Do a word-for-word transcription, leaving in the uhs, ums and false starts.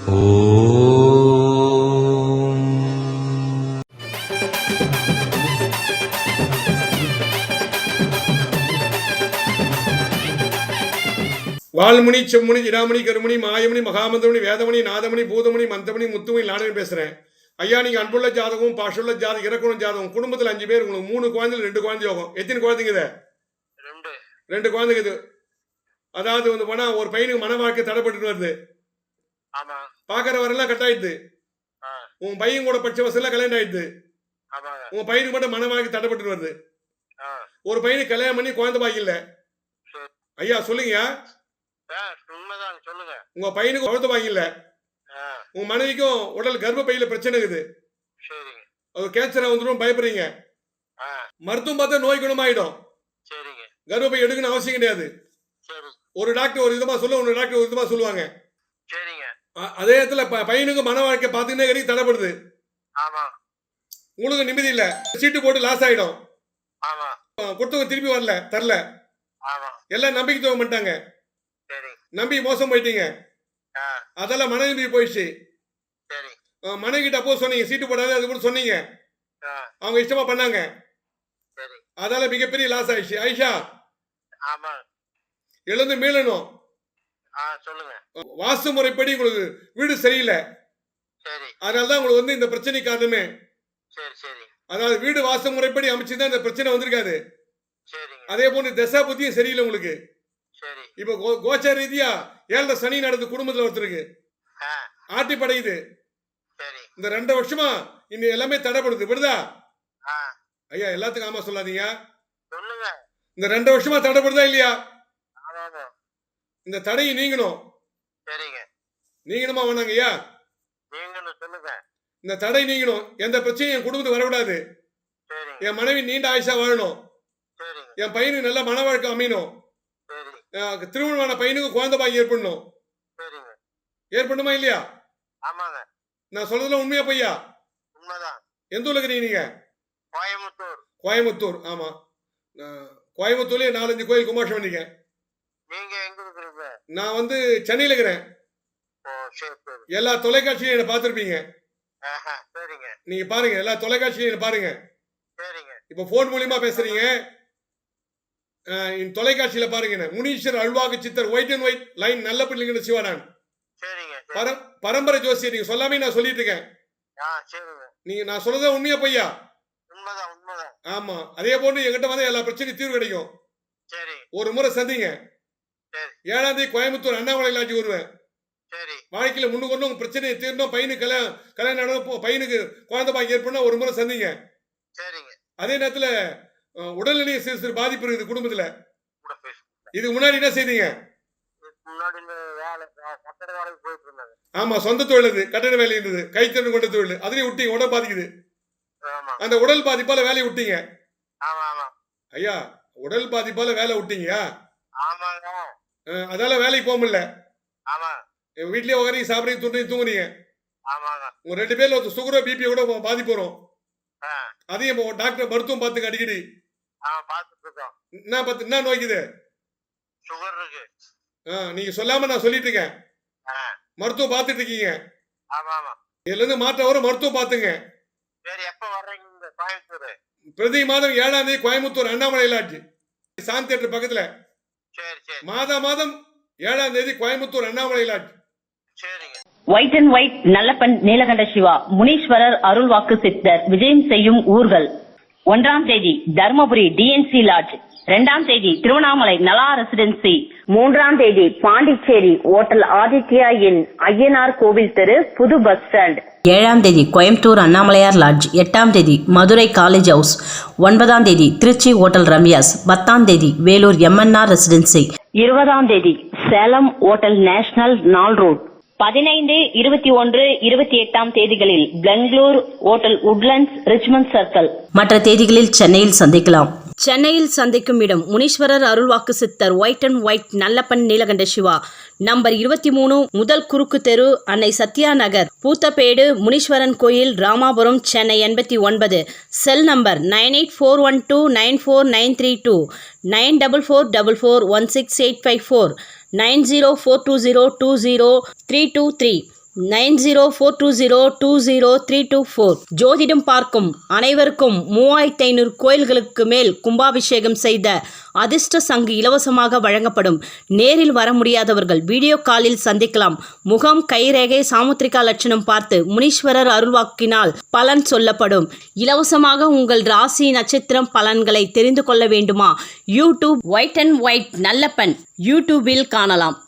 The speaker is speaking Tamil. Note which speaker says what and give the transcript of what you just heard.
Speaker 1: வால்முனி செம்முனி இடாமணி கருமணி மாயமணி மகாமந்திரமணி வேதமணி நாதமணி பூதமணி மந்தமணி முத்துமணி நானே பேசுறேன். ஐயா, நீங்க அன்புள்ள ஜாதகம், பாஷுள்ள ஜாதகம், இறக்குணம் ஜாதகம், குடும்பத்தில் அஞ்சு பேர், உங்களுக்கு மூணு குழந்தைகள், ரெண்டு குழந்தை யோகம். எத்தனை குழந்தைங்க இது? ரெண்டு குழந்தைங்க இது. அதாவது வந்து போனா ஒரு பையனுக்கு மன வாழ்க்கை தடைப்பட்டு வருது. பாக்குற வரலாம் கட் ஆயிடுது. உன் பையன் கூட படிச்ச வசதியெல்லாம் கல்யாணம் ஆயிடுது. உங்க பையனுக்கு மட்டும் மன வாழ்க்கை தடைப்பட்டு வருது. ஒரு பையனுக்கு கல்யாணம் பண்ணி குழந்தை பாக்கி இல்ல. ஐயா சொல்லுங்க. உங்க பையனுக்கு குழந்தை பாக்கி இல்ல. உங்க மனைவிக்கும் உடல் கர்ப்ப பையில பிரச்சனை இருக்குது. அது கேன்சரா வந்துடும் பயப்படுறீங்க. மருத்துவம் பார்த்தா நோய் குணமாயிடும். கர்ப்பப்பை எடுக்கணும் அவசியம் கிடையாது. ஒரு டாக்டர் ஒரு விதமா சொல்ல, ஒரு டாக்டர் ஒரு விதமா சொல்லுவாங்க. அதே இடத்துல பையனுக்கு மன வாழ்க்கை பாத்துக்கிட்டே கிடைக்கும் தடைப்படுது. உங்களுக்கு நிம்மதி இல்ல, சீட்டு போட்டு லாஸ் ஆயிடும். கொடுத்தவங்க திருப்பி வரல, தரல, எல்லாம் நம்பிக்கை துவங்க பண்ணிட்டாங்க. நம்பி மோசம் போயிட்டீங்க. அதெல்லாம் மன நிம்மதி போயிடுச்சு. மனைவி கிட்ட அப்போ சொன்னீங்க சீட்டு போடாது, அது கூட சொன்னீங்க. அவங்க இஷ்டமா பண்ணாங்க. அதால மிகப்பெரிய லாஸ் ஆயிடுச்சு. ஐஷா, எழுந்து மீளணும். வாஸ்து முறைப்படி உங்களுக்கு வீடு சரியில்லை, அதனாலதான் உங்களுக்கு வந்து இந்த பிரச்சனை காரணமே. அதாவது வீடு வாஸ்து முறைப்படி அமைச்சுதான் இந்த பிரச்சனை வந்திருக்காது. அதே போன்று தசா புத்தியும் சரியில்லை உங்களுக்கு. இப்ப கோச்சார ரீதியா ஏழரை சனி நடந்து குடும்பத்துல ஒருத்தருக்கு ஆட்டி படையுது. இந்த ரெண்டு வருஷமா இன்னும் எல்லாமே தடைப்படுது. விடுதா ஐயா? எல்லாத்துக்கும் ஆமா சொல்லாதீங்க. இந்த ரெண்டு வருஷமா தடைப்படுதா இல்லையா? இந்த தடையை நீங்கணும். நீங்கணுமா வேணாங்க ஐயா? இந்த தடை நீங்கணும். எந்த பிரச்சனையும் என் குடும்பத்துக்கு வரக்கூடாது. என் மனைவி நீண்ட ஆயுஷா வாழணும். என் பையனுக்கு நல்ல மன வாழ்க்கை அமையணும். திருமணமான பையனுக்கு குழந்தை பாக்கி ஏற்படணும். ஏற்படணுமா இல்லையா? நான் சொல்றதுல உண்மையா பையா? எந்த ஊர்ல இருக்கிறீங்க நீங்க? கோயம்புத்தூர். கோயம்புத்தூர். ஆமா, கோயம்புத்தூர்லயே நாலஞ்சு கோயில் கும்பாஷம் பண்ணிருக்கேன். நான் வந்து சென்னையில இருக்கிறேன். எல்லா தொலைக்காட்சியும் என்ன பார்த்திருப்பீங்க. நீங்க பாருங்க, எல்லா தொலைக்காட்சியும் என்ன பாருங்க. இப்ப போன் மூலியமா பேசுறீங்க, தொலைக்காட்சியில பாருங்க. முனீஸ்வர் அல்வாக்கு சித்தர் ஒயிட் அண்ட் ஒயிட் லைன் நல்ல பிள்ளைங்க சிவானான் பரம்பரை ஜோசியர். நீங்க சொல்லாமே நான் சொல்லிட்டு இருக்கேன். நீங்க நான் சொல்றத உண்மையா பையா? ஆமா. அதே போன்று எங்கிட்ட வந்து எல்லா பிரச்சனையும் தீர்வு கிடைக்கும். ஒரு முறை சந்திங்க. ஏழாம் தேதி கோயம்புத்தூர் அண்ணாமலை லாட்ஜி வருவேன். வாழ்க்கையில முன்னுக்கு ஒன்றும் பிரச்சனையை தீர்ந்தோம். பையனுக்கு கல்யாணம் கல்யாணம் நடக்கும், பையனுக்கு குழந்தை பாக்கி ஏற்படும். ஒரு முறை சந்திங்க. அதே நேரத்துல உடல்நிலை சிறு சிறு பாதிப்பு இருக்குது குடும்பத்துல. இதுக்கு முன்னாடி என்ன செய்தீங்க? ஆமா, சொந்த தொழில் இது, கட்டட வேலை இருந்தது, கைத்தொழில் கொண்ட தொழில். அதுலயும் விட்டீங்க, உடல் பாதிக்குது. அந்த உடல் பாதிப்பால வேலையை விட்டீங்க. ஐயா, உடல் பாதிப்பால வேலை விட்டீங்க. அதால வேலைக்கு போக முடியல. வீட்லயே உட்காரி சாப்பிடுறீங்க, துண்டு தூங்குறீங்க. உங்க ரெண்டு பேர்ல ஒரு சுகரோ பிபி கூட பாதிப்பு வரும். அதையும் டாக்டர் மருத்துவம் பார்த்துங்க அடிக்கடி. என்ன பார்த்து என்ன நோய்க்குது? நீங்க சொல்லாம நான் சொல்லிட்டு இருக்கேன். மருத்துவம் பார்த்துட்டு இருக்கீங்க. இதுல இருந்து மாற்றம் வரும். மருத்துவம் பார்த்துங்க. பிரதி மாதம் ஏழாம் தேதி கோயம்புத்தூர் அண்ணாமலை லாட்ஜ் சாந்தி தியேட்டர் பக்கத்துல. மாதா மாதம் ஏழாம் தேதி Coimbatore Annamalai lodge.
Speaker 2: White and white Nallappan Neelakanda Siva Muneeswarar அருள்வாக்கு சித்தர் விஜயம் செய்யும் ஊர்கள். ஒன்றாம் தேதி தர்மபுரி டிஎன்சி லாட்ஜ். இரண்டாம் தேதி திருவண்ணாமலை நலா ரெசிடென்சி. மூன்றாம் தேதி பாண்டிச்சேரி ஓட்டல் ஆதித்யா இன் ஐயனார் கோவில் தெரு புது பஸ் ஸ்டாண்ட்.
Speaker 3: ஏழாம் தேதி கோயம்புத்தூர் அண்ணாமலையார் லாட்ஜ். எட்டாம் தேதி மதுரை காலேஜ் ஹவுஸ். ஒன்பதாம் தேதி திருச்சி ஓட்டல் ரம்யாஸ். பத்தாம் தேதி வேலூர் எம்என்ஆர் ரெசிடென்சி.
Speaker 2: இருபதாம் தேதி சேலம் ஓட்டல் நேஷனல் நாள் ரோட். பதினைந்து இருபத்தி ஒன்று இருபத்தி எட்டாம் தேதிகளில் Bangalore hotel Woodlands Richmond circle.
Speaker 3: மற்ற தேதிகளில் சென்னையில் சந்திக்கலாம். சென்னையில் சந்திக்கும் இடம் முனீஸ்வரர் அருள்வாக்கு சித்தர் white and white Nallappan Neelakanda Siva. Number இருபத்தி மூணு முதல் குறுக்கு தெரு, அன்னை சத்யா நகர், பூத்தப்பேடு, முனீஸ்வரன் கோயில், ராமாபுரம், சென்னை எண்பத்தி ஒன்பது. Cell number nine eight four one two nine four nine three two, nine double four double four one six eight five four, nine zero four two zero two zero three two three. Nine zero four two zero two zero three two four. ஜோதிடம் பார்க்கும் அனைவருக்கும் மூவாயிரத்தி ஐநூறு கோயில்களுக்கு மேல் கும்பாபிஷேகம் செய்த அதிர்ஷ்ட சங்கு இலவசமாக வழங்கப்படும். நேரில் வர முடியாதவர்கள் வீடியோ காலில் சந்திக்கலாம். முகம், கைரேகை, சாமுத்திரிகா லட்சணம் பார்த்து முனீஸ்வரர் அருள்வாக்கினால் பலன் சொல்லப்படும். இலவசமாக உங்கள் ராசி நட்சத்திரம் பலன்களை தெரிந்து கொள்ள வேண்டுமா? YouTube white and white Nallappan யூடியூபில் காணலாம்.